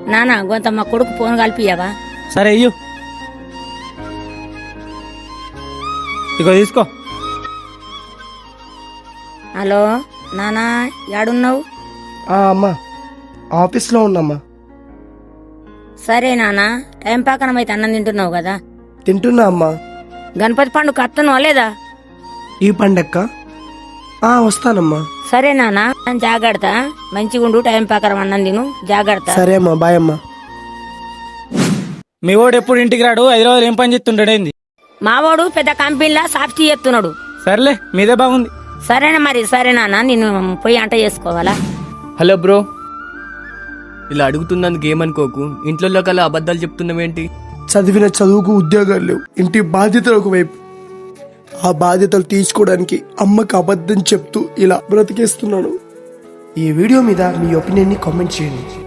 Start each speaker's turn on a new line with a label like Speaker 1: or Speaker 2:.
Speaker 1: నానా కొంత మా కొడుకు ఫోన్ కలిపియవా?
Speaker 2: సరే అయ్యు, ఇగో తీసుకో.
Speaker 1: హలో నానా, యాడున్నావు?
Speaker 3: అమ్మా ఆఫీస్లో ఉన్నమ్మా.
Speaker 1: సరే నానా, టైం పాకనం అయితే అన్నం తింటున్నావు కదా.
Speaker 3: తింటున్నా అమ్మా.
Speaker 1: గణపతి పండుగ అత్తను లేదా?
Speaker 3: ఈ పండక్క వస్తానమ్మా.
Speaker 1: సరే నానా, జాగ్రత్త, మంచిగుండు, టైం పాకరం అన్నం తిను, జాగ్రత్త.
Speaker 3: సరే అమ్మా, బాయ్ అమ్మా.
Speaker 2: మీ వాడు ఎప్పుడు ఇంటికి రాడు, హైదరాబాద్ ఏం పని చేస్తుంటాడేంది?
Speaker 1: మావాడు పెద్ద కంపెనీలా సాఫ్టీ చేస్తున్నాడు.
Speaker 2: సర్లే, మీదే బాగుంది.
Speaker 1: సరేనా మరి, సరే నాన్న, నేను పోయి అంట చేసుకోవాలా?
Speaker 4: హలో బ్రో, ఇలా అడుగుతున్నందుకు ఏమనుకోకు. ఇంట్లో కల్లా అబద్ధాలు చెప్తున్నావేంటి?
Speaker 3: చదివిన చదువుకు ఉద్యోగాలు లేవు, ఇంటి బాధ్యతలు ఒకవైపు. ఆ బాధ్యతలు తీసుకోవడానికి అమ్మకి అబద్ధం చెప్తూ ఇలా బ్రతికేస్తున్నాను. ఈ వీడియో మీద మీ ఒపీనియన్ని కామెంట్ చేయండి.